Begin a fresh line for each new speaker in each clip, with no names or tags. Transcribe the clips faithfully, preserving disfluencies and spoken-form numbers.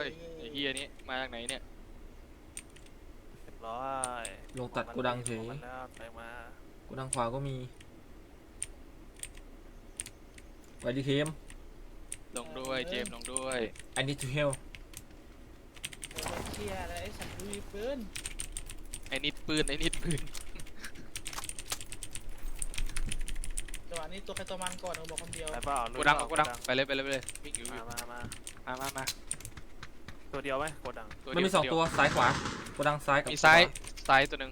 ยไอ้เฮียนี้มาจากไหนเนี่ย
เรียบร้อย
ลงตัดโกดังเฉย
มันแล้วไปมา
โกดังขวาก็มีไปดีเคม
ลงด้วยเจมส์ลงด้วย
I need to help
โอ้ยเชียอะไรไอ้สัตว์ดูมีปืน
ไอ้นิดปืนไอ้นิดปืน
จังหวะนี้ตัวใครตัวมันก่อนเขาบอกคำเดียว
ไปเปล่า
กูดังกูดังไปเลยไปเลยไปเลยวิ่งอยู่
มามามา
มามามา
ตัวเดียวไหมโกดัง
มันมีสองตัวซ้ายขวาโกดังซ้ายกับ
มีซ้ายซ้ายตัวหนึ่ง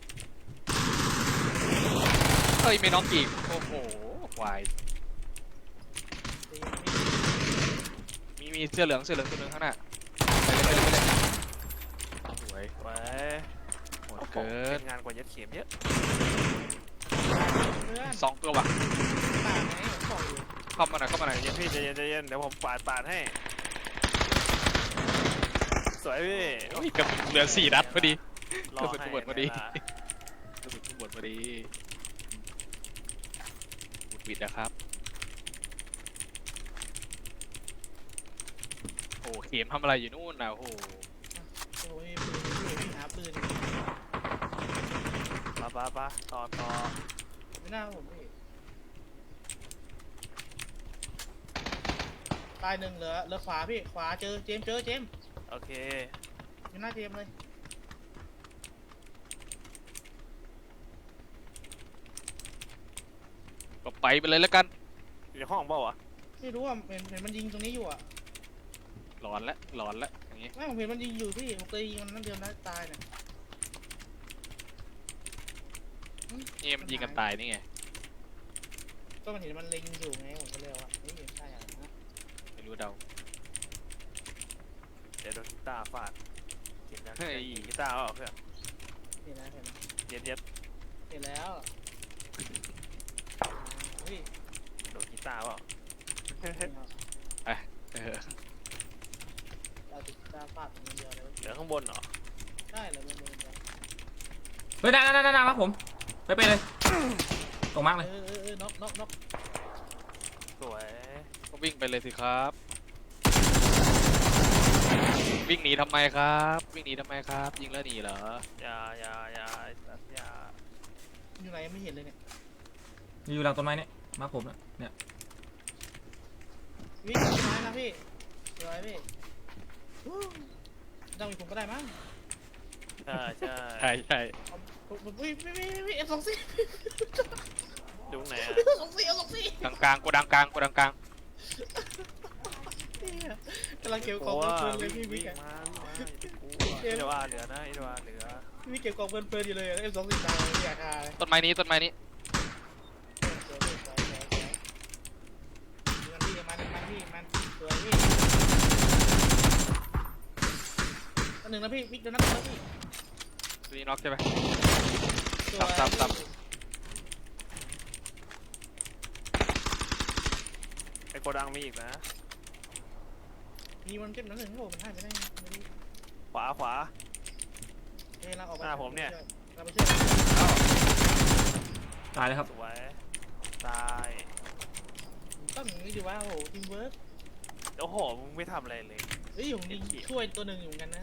เฮ้ยไม่น้องอีกโอ้โหวายมีมีเสื้อเหลืองเสื้อเหลืองตัวหนึ่งข้างหน้าไปเลยไปเลยไปเลยสวย
ไว้
โหดเกิน
งานกว่ายัดเข็มเยอะ
เพื่อน
สองตัวว่ะ
ป่าไหนผมบอกอยู่
เข้ามาหน่อยเข้ามาหน่อย
เย็นพี่ใจเย็นใจเย็นเดี๋ยวผมปาดปาดให้สวยพี่
โอ้ยกับเหลือสี่นัดพอดี
รอก
ระสุน
ให้
ระเบิดพอดี
เวลาก
ระสุนทุกบทพอดีบุดบิดนะครับโอ้เข็มทำอะไรอยู่นู่นนะโอ้โห
โอ้ยปืนอยู่วิ่งหาปืน
ปะปะปะต่อต่อ
ไม่น่าผมพี่ตายหนึ่งเหลือเหลือขวาพี่ขวาเจอเจมเจอเจม
โอเค
อยู่หน้าเจมเลย
ก็ไปไปเลยแล้วกัน
อยู่ในห้องเปล่าวะ
ไม่รู้ว่าเห็นเห็นมันยิงตรงนี้อยู่อ่ะ
หลอนละหลอนละอย่างงี้
ไม่ผมเห็นมันยิงอยู่พี่ผมเคยยิงมันนั่นเดียวนะตายเนี่ย
นี่มันยิงกันตายนี่ไง
ก็มันเห็นมันเล็งอยู่ไงผมก็เลยว่าเฮ้ยใช่อ่ะนะ
ไม่รู้เดา
เดี๋ยวโดนกีตาร์ฟาดเห็นนะ
เฮ้ย
กีตาร์เปล่าเพื่อน
เห็นแล้วเห็นแล้ว
เย็ดเย็ด
เห็นแล้วเฮ้ย
โดนกีตาร์เปล่า
เออ
เราติดตาฟาดอย่างเดียวเลย
เหลือข้างบนเหรอ
ได้เลยมันมันมัน
เฮ้ยนั่นนั่นนั่นครับผมไปไปเลยตรงมาก
เอ
เลย
อเออเออน็อกน็อกน็อก
สวย
ก็วิ่งไปเลยสิครับ วิ่งหนีทำไมครับ วิ่งหนีทำไมครับ ยิงแล้วหนีเหรอ
อย่าอย่าอย่าไอ้สัตว์อย่า
อยู่ไหนยังไม่เห็นเลยเนี่ย
อยู่หลังต้นไม้เนี่ยมาผมนะเนี่ย
วิ่งต้นไม้นะพี่สวยพี่วู้ต้องมีผมก็ได้มั้ง
ใช่ใช่
ใช่ใช่
เอาผมผมวิ่งวิ่งวิ่งวิ่งเอฟสองสี่
ดูไหนอะ
สองสี่เอาสองสี่
กลางกลางกูดังกลางกูดังกลาง
เนี่ยกำลังเก็บก
ก
ล่
ลั
อง
ว
เพลินๆเลย
วิ่
พี่
ง
พี่
วิ่ง
แก
มาวิ่งมาอย่าไปกลัวเอวาเหลือนะเอวาเหลือ
พี่เก็บกล่องเพลินๆอยู่เลยเอฟสองสี่ตายไม่อยากหาเลย
ต้นไม้นี้ต้นไม้นี้
สวยสวยสวยสวยมันพี่มันมันพี่มันสวยพี่อันหนึ่งนะพี่วิกเดี๋ยวนัดนะพี่
ตัวนี้น็อกใช่ไหม
สวย
ตับตับ
ไอ้โกดังมีอีกนะ
มีมันเก็บนั้นหนึ่งโอ้มันให้ไม่ได้ไม่ได้
ขวาขวา
เฮ้ยเราออกไป
หน้าผมเนี่ย
เราไปช่วย
ตายเลยครับ
สวยตาย
ต้องอย่างนี้ดีว่าโอ้โหทีมเวิร์ก
โอ้โหมึงไม่ทำอะไรเลย
เฮ้ยผมยิงช่วยตัวหนึ่งอยู่เหมือนกันนะ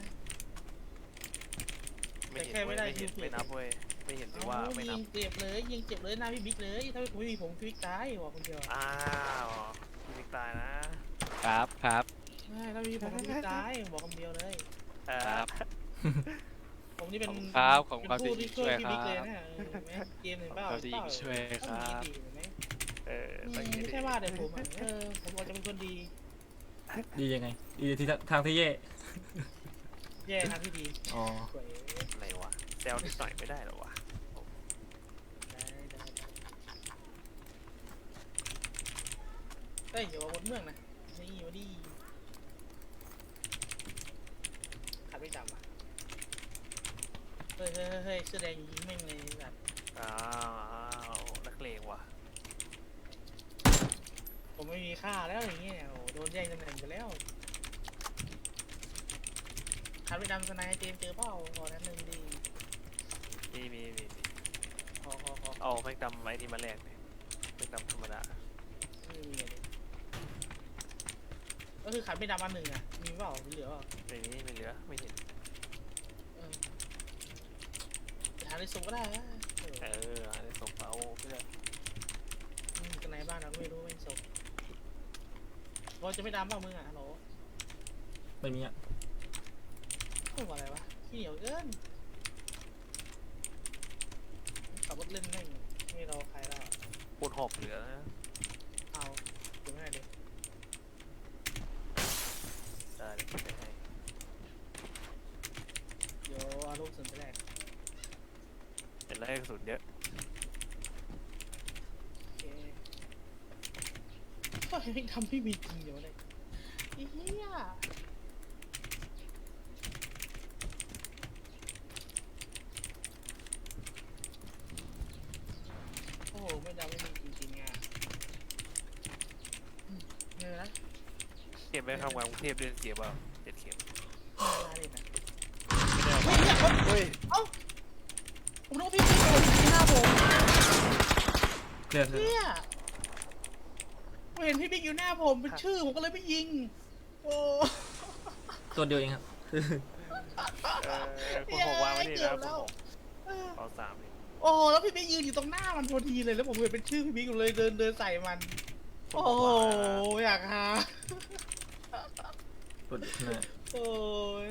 ไม่เห็น
แต่แค่ไม่
เว้ย
ได้
ไม่เห็น
คิว
ไม่นับเว้ยไม่เห็นหรือว่า
เอ้า
ไม่นั
ยิ
บ
งเจ็บเลยยิงเจ็บเลยหน้าพี่บิ๊กเลยถ้าไม่มีผมพี่บิ๊กตายบอกคนเดียว
อ้าวพี่มิกตายนะครับ
ครับ
ใช่ถ้ามีผมพี่บิ๊กตายบอกคำเดียวเลย
เออ
ครับ
ผมนี่เป็น
ขอบคุณครับขอบคุณ
เป็น
ครับ
ผู้ที่ช่วย
ที่
พี่
ช่วย
บิ๊ก
ค
เล
รั
ย
บ
นะเออเห็นไหมเกมหนึ่งเปล่า
ขอบคุณครับที่ช่วยครับ
ต้องมีดีเห็นไหม
เออ
อืม
ต้องอย่างนี้
ไม่
ดิ
ใช่ว่าแต่ผมอ่ะเออผมอาจจะเป็นคนดี
ดียังไงดีที่ทางที่แย่
แย่ทางที่ดี
อ๋อ
สวย
อะไรวะแซวนิดหน่อยไม่ได้หรอวะ
ได้ได้ได้เฮ้ยอย่ามาบนเมืองนะนี่มาดิขัดไม่จำอ่ะเฮ้ยเฮ้ยเฮ้ยเสื้อแดงยิงแม่งเลยแบบ
อ้าวอ้าวนักเลงว่ะ
ผมไม่มีค่าแล้วอย่างเงี้ยโอ้โดนแย่งตำแหน่งไปแล้วขัดไม่จำสไนเจมเจอเปล่าขอนั้นหนึ่งดี
มีมีมีมี
ขอขอขอ
เอาแม่งดำไอ้นี่มาแลกเลยแม่งดำธรรมดา
ไม่มีเลยก็คือขาดไม่ดำอันหนึ่งอ่ะมีเปล่ามีเหลือเปล่า
ไม่มีไม่เหลือไม่เห็น
เออไปหาในซุปก็ได้นะเอ
เอ
อ
ออะไรส่งเปาเพื่อน
อืมกันไหนบ้านเราก็ไม่รู้ไม่ซุปบอลจะไม่ดำเปล่ามึงอ่ะฮัลโหล
ไม่มีอ่ะ
พูดว่าอะไรวะขี้เหนียวเกินขับรถเล่นแม่งไม่รอใครแล้วอะ
ปูนหกเหลือนะ
เอาดูไม่ได้ดิ
ได้เลยไม่ให้
เดี๋ยวเอาลูกส่วนไปแรก
เห็นแล้วกระสุนเยอะ
โอเคก็ไม่ทำไม่มีจริงเดี๋ยวเลยไอ้เหี้ยโอ้โหไม่ดำไม่มีจริงๆอ่ะอืมเนยนะ
เข็มไปทำงานกรุงเทพเดือนเสียเปล่าเจ็ดเข็ม
มาเลยนะ
ไม่ได้เอา
เฮ้ยเนี่ยคน
เฮ้ย
เอ้าผมรู้ว่าพี่พี่โดนที่หน้าผม
เคลียร์เคลียร์
เนี่ยผมเห็นพี่บิ๊กอยู่หน้าผมเป็นชื่อผมก็เลยไม่ยิงโอ้
ตัวเดียวเองครับ
เออปูนหกวางไว้นี่นะปูนหก
เออ
เอาสามนี่
โอ้โหแล้วพี่บิ๊กยืนอยู่ตรงหน้ามันพอดีเลยแล้วผมเห็นเป็นชื่อพี่บิ๊กอยู่เลยเดินเดินใส่มัน
ปูน
โอ้
หก
โห
วางนะ
อยากหา
ตัวหน้า
โอ้ย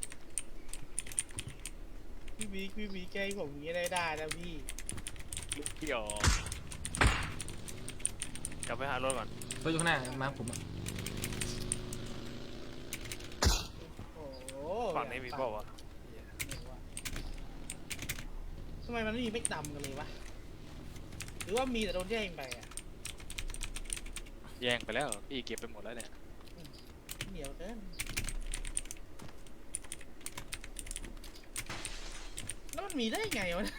พี่บิ๊กพี่บิ๊กแกล้งผมอย่างนี้ได้ได้นะพี่
ลูกเกี่ยวกลับไปหารถก่อน
ตัวอยู่ข้างหน้ามาผมอ่ะ
โอ้โห
ฝั่งนี้มีเปล่าวะ
ทำไมมันไม่มีเม็กดำกันเลยวะหรือว่ามีแต่โดนแย่งไปอ่ะ
แย่งไปแล้วพี่เก็บไปหมดแล้วเนี่ย
เหนียวเกินแล้วมันมีได้ไงวะ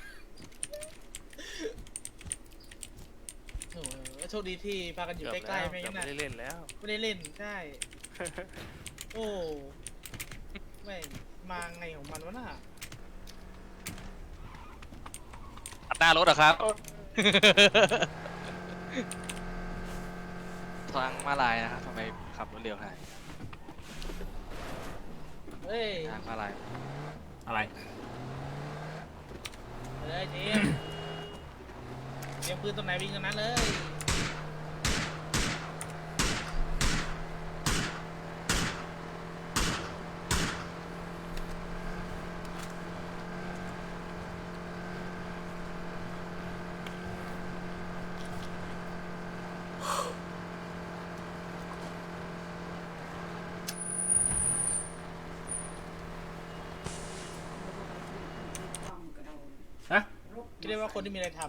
โอ้โหโชคดีที่พากันอยู่
เกือบ
ใกล้
แล้ว
ๆไม่
เกือ
งั้
บ
น
ไม่
นะ
ได้เล่นแล้ว
ไม่ได้เล่นใช่ โอ้ไม่งมาไงของมันวะน่ะ
ตัดหน้ารถเหรอครับ ทางมาลายนะครับทำไมขับรถเร็วขนาดนี้
เฮ้ย
ทางมาลาย
อะไร
เอาเลยเจมส์เตรียมปืนตรงไหนวิ่งตรงนั้นเลย
ฮะ
เรียกว่าคนที่มีอะไรท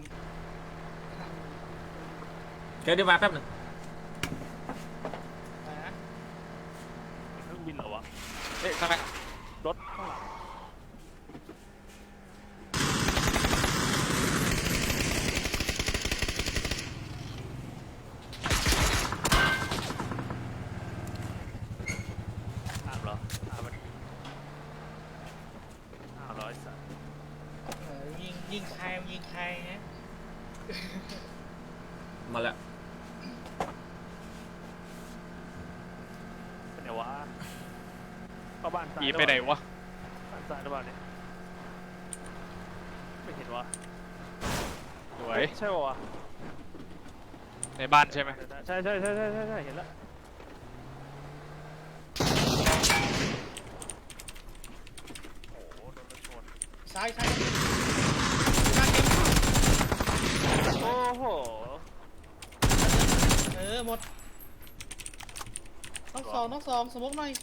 เดี๋ยวเดี๋ยวมาแป๊บหนึ่ง
ำอะไรนะ
เครื่องบินเหรอวะ
เอ๊ะข้างหน้าร
ถข้างหลังถามเหรอถามมันอ้าวร้อยสัตว์
เออยิงยิงใครยิงใครฮะ
มาแล้ว
เป็นไงวะเข้าบ้านซ้าย
หนีไปไหนวะ
บ้านซ้ายหรือเปล่าเนี่ยไม่เห็นวะ
สวย
ใช่ป่าวะ
ในบ้านใช่ไหม
ใช่ใช่ใช่ใช่ใช่ใช่เห็นแล้วโอ้โหโดนรถชน
ซ้ายซ้าย
โอ้โห
เออหมดต้องสองต้องสองสมมติหน่อย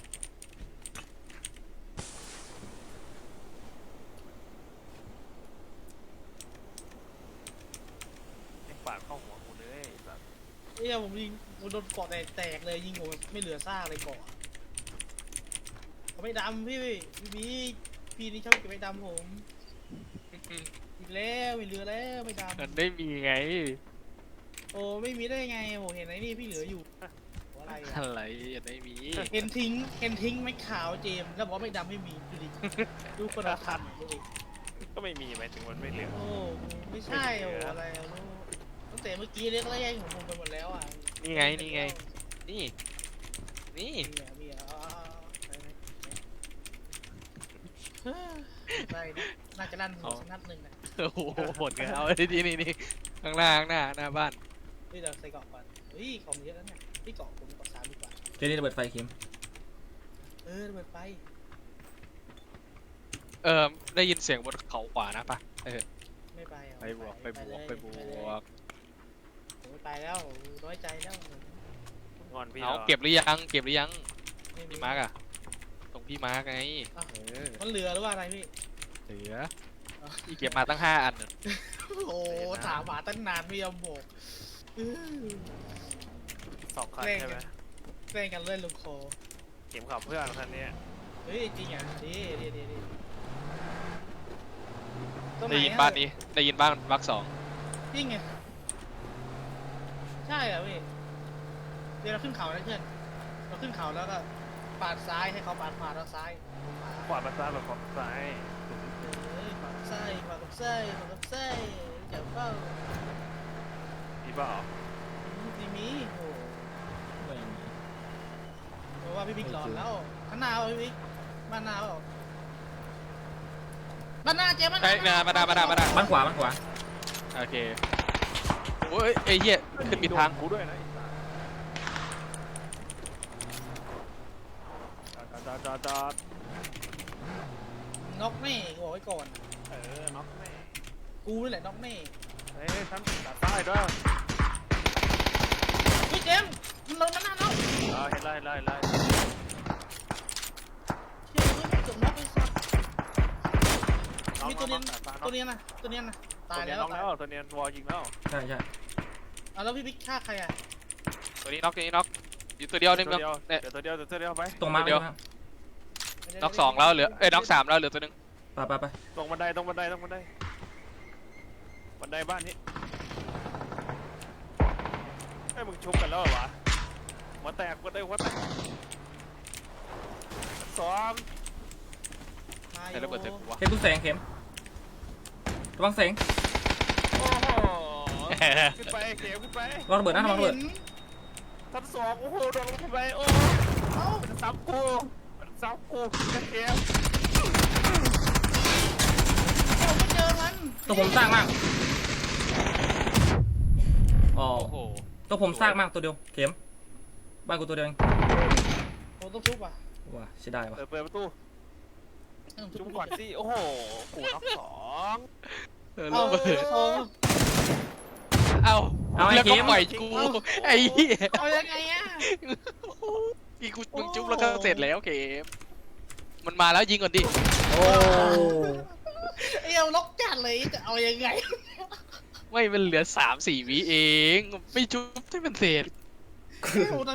ไอ้ปาดเข้าหัวกูเลยไอ้สัตว์
เอ้ยผมยิงผมโดนเกาะแตกแตกเลยยิงผมแบบไม่เหลือซากเลยเกาะเขาไม่ดำพี่พี่บีพี่นี่ชอบเก็บไม่ดำผมอีกแล้วไม่เหลือแล้วไม่ดำ
มันไม่มีไง
โอ้ไม่มีได้ไงโอ้เห็นไหนนี่พี่เหลืออยู่อะไรอะ
อะไรยังไม่มี
เห็นทิ้งเห็นทิ้งไม่ขาวเจมส์แล้วบอกว่าไม่ดำไม่มีดูดิดูคนละคันดูดิ
ก็ไม่มีหมายถึงมันไม่เหลือ
โอ้ไม่ใช่โอ้อะไรอะลูกตั้งแต่เมื่อกี้เรียกแรกของผมไปหมดแล้วอ่ะ
นี่ไงนี่ไง นี่นี่
มีอ่ะมีอ่ะเอาเอาเอาไปไหมเฮ้ยได้นะน่าจะลั่นหัวสักนัดหนึ่งนะ
โอ้โหหมดกันเอาดีนี่นี่ข้างหน้าข้างหน้าหน้าบ้าน
เฮ้ยเราใส่เกาะก่อนเฮ้ยของเยอะแล้วเนี่ยพี่เกาะผมเกาะสามดีกว่า
เจนี่ระเบิดไฟเข็ม
เออระเบิดไฟ
เออได้ยินเสียงบนเขาขวานะปะเออ
ไม่ไปอ่ะ
ไปบวกไปบวก
เลย
ไปบ
เล
วย ก
ผมไม่ไปแล้วน้อยใจแล้ว
งอนพี่
เอา
หรอ
เก็บหรือยังเก็บหรือยัง
ไม่มี
พี่มาร์กอะตรงพี่มาร์กไง
อ้าว
เออ
มันเหลือหรือว่าอะไรพี่
เหลือพี่เก็บมาตั้งห้าอันน่ะ
โอ้ถามหาตั้งนานไม่ยอมบอกอื้อ
สองคันใช่ไหม
แกล้งกันเล่นลูกคอ
เข็มขับเพื่อนคันนี้
เฮ้ยจริงอ่ะดีดีดีดีตรงห
ได้ยิน
อะ
บ้านนี้ได้ยินบ้านบักสอง
จริงไงใช่เหรอพี่เดี๋ยวเราขึ้นเขาแล้วเพื่อนเราขึ้นเขาแล้วก็ปาดซ้ายให้เขาปาดขวาแล้วซ้าย
ขวามาซ้ายแบบขวามาซ้าย
เฮ้ยขวากับซ้ายขวากับซ้ายขวากับซ้ายเดี๋ยวเป้า
พี่เปล่า
ดีมีโอ้
ไม่มี
เพราะว่าพี่บิ๊กหลอนแล้วข้างหน้าเอาพี่บิ๊กบ้านหน้าเอาบ้านหน้าเจ๊บ้านห
ไอ้
น้า
ยมาดามาดามาดา
บ้านขวาบ้านขวา
โอเคโอ้ยไอ้เหี้ยขึ้นผิดทาง
กูด้วยนะจอดจอดจอดจอด
น็อกแม่กูบอกไว้ก่อน
เออน็อกแม่
กูนี่แหละน็อกแม่
เฮ้ยทั้งตัดใต้ด้วย
พี่เจมส์มันลงมาหน้าเรา
เออเห็นไล่ไล่ไล่
เชื่อกูไม่จบน็อกไอ้สัส
น้อง
มี
น้
ตั
อ
ว
ง
เนี้ย
ตัดฟ้า
ตัวเนี้ยนะตัวเนี้ยนะตาย
ตัวเนี
แล้
ยน้อง
วตาย
แล้วตัวเนียนวอลยิงแล้ว
ใช่ใช่
เอาแล้วพี่บิ๊กฆ่าใครอ่ะ
ตัวนี้น็อกตัวนี้น็อกอยู่ตัวเดียวหนึง
ตัวเดียว
เนี่ย
เดี๋ยวตัวเดียวเดี๋ยวตัวเดียวไป
ตรงมา
เดี๋ยว
ตรงมา
น็อกสองแล้วเหลือเอ้ยน็อกสามแล้วเหลือตัวหนึง
ไปไปไป
ตรงบันไดตรงบันไดตรงบันไดบันไดบ้านนี้ไอ้ยมึงชุบกันแล้วเหรอวะหัวแตกหัวแตกหัวแตกสอง
มา
ใช้ระเบิดเต็มหัว
เข็มตุ้งแสงเข็มระวังแสง
โอ้โหขึ้นไปเขียวขึ้นไประ
วังระเบิดนะระวังระเบิด
ชั้นสองโอ้โหโดนลงขึ้นไปโอ้
เอ้า
มันซ้ำกูมันซ้ำกูจะเขียว
ผมไม่เจอมัน
ตัวผมสร้างมากอ๋อ
โอ้โห
ตัวผมสร้างมากตัวเดียวเข็มบ้านกูตัวเดียวเอง
ผมต้องทุบอ่ะ
ว้าเสียดายว่ะ
เปิดเปิดประตู
เออ
จุ๊บก่อนสิโอ้โหกูน็อกสอง
เออ
เอา
ระเบิด
เอา
เอา
เอาไอ้
แล้ว
เข็
ก็
ม
ปล่อยกูไอ้เหี้ย
เอายังไงอ่ะ
อีกูมึงจุ๊บแล้วก็เสร็จแล้วเกมมันมาแล้วยิงก่อนดิ
โอ้
ไอ้เอาล็อกจัดเลยจะเอายังไง
ไม่มันเหลือสามสี่วิเองไม่จุ๊บให้มันเสร็จ
โอ้โห